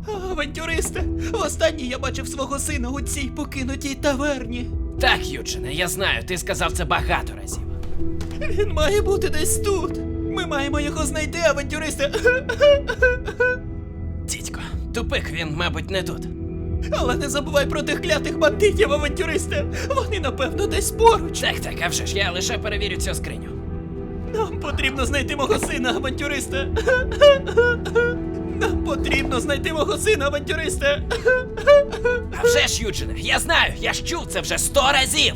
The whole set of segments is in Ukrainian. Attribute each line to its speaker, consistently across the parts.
Speaker 1: Авантюристе, востаннє я бачив свого сина у цій покинутій таверні.
Speaker 2: Так, Юджине, я знаю, ти сказав це багато разів.
Speaker 1: Він має бути десь тут. Ми маємо його знайти, авантюристе.
Speaker 2: Дідько, тупик, він, мабуть, не тут.
Speaker 1: Але не забувай про тих клятих бандитів, авантюристе. Вони, напевно, десь поруч.
Speaker 2: Так, а вже ж, я лише перевірю цю скриню.
Speaker 1: Нам потрібно знайти мого сина, авантюристе. Нам потрібно знайти мого сина, авантюристе.
Speaker 2: А вже ж, Юджине, я знаю, я ж чув це вже 100 разів.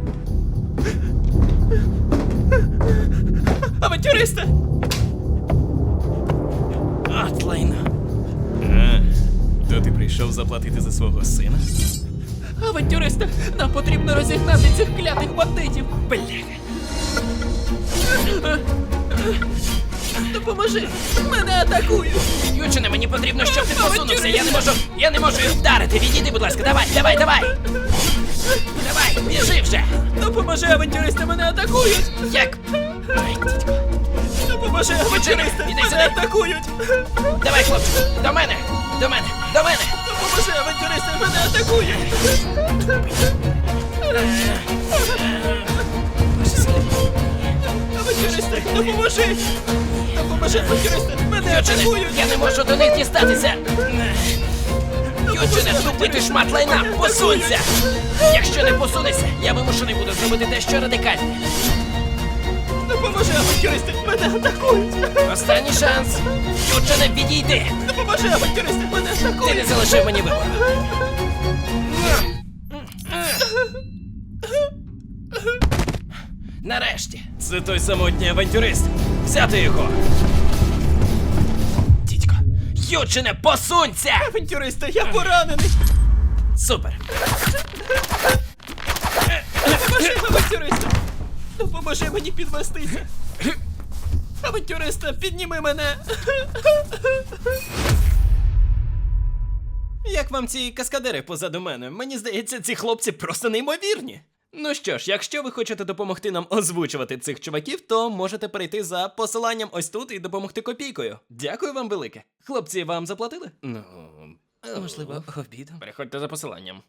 Speaker 1: Авантюристе!
Speaker 2: От лайно.
Speaker 3: То ти прийшов заплатити за свого сина?
Speaker 1: Авантюристе, нам потрібно розігнати цих клятих бандитів.
Speaker 2: Бляха.
Speaker 1: Допоможи! Мене атакують!
Speaker 2: Юджине, мені потрібно, щоб ти посунувся, я не можу їх вдарити. Відійди, будь ласка, давай. Давай, біжи вже.
Speaker 1: Допоможи, авантюристе, мене атакують!
Speaker 2: Як? Ой, дідько.
Speaker 1: Допоможи, авантюристе,
Speaker 2: іди
Speaker 1: мене
Speaker 2: сюди.
Speaker 1: атакують!
Speaker 2: Давай, хлопчику, до мене.
Speaker 1: Допоможи, авантюристе, мене атакують! Авантюристе, допоможи! Допоможи, авантюристе, мене
Speaker 2: Юджине,
Speaker 1: атакують!
Speaker 2: я не можу до них дістатися. Юджине, тупий ти шмат лайна, посунься! Якщо не посунешся, я вимушений буду зробити дещо радикальне.
Speaker 1: Допоможи, авантюристе, мене атакують!
Speaker 2: Останній шанс. Юджине, відійди!
Speaker 1: Допоможи, авантюристе, мене
Speaker 2: Ти
Speaker 1: атакують!
Speaker 2: не залишив мені вибору. Нарешті.
Speaker 3: Це той самотній авантюрист.
Speaker 2: Взяти його. Дідько. Юджине, посунься!
Speaker 1: Авантюристе, я поранений!
Speaker 2: Супер.
Speaker 1: Допоможи, авантюристе! Допоможи мені підвестися! Авантюристе, підніми мене!
Speaker 3: Як вам ці каскадери позаду мене? Мені здається, ці хлопці просто неймовірні. Ну що ж, якщо ви хочете допомогти нам озвучувати цих чуваків, то можете перейти за посиланням ось тут і допомогти копійкою. Дякую вам велике. Хлопці, вам заплатили? Ну, можливо, обідом.
Speaker 2: Переходьте за посиланням.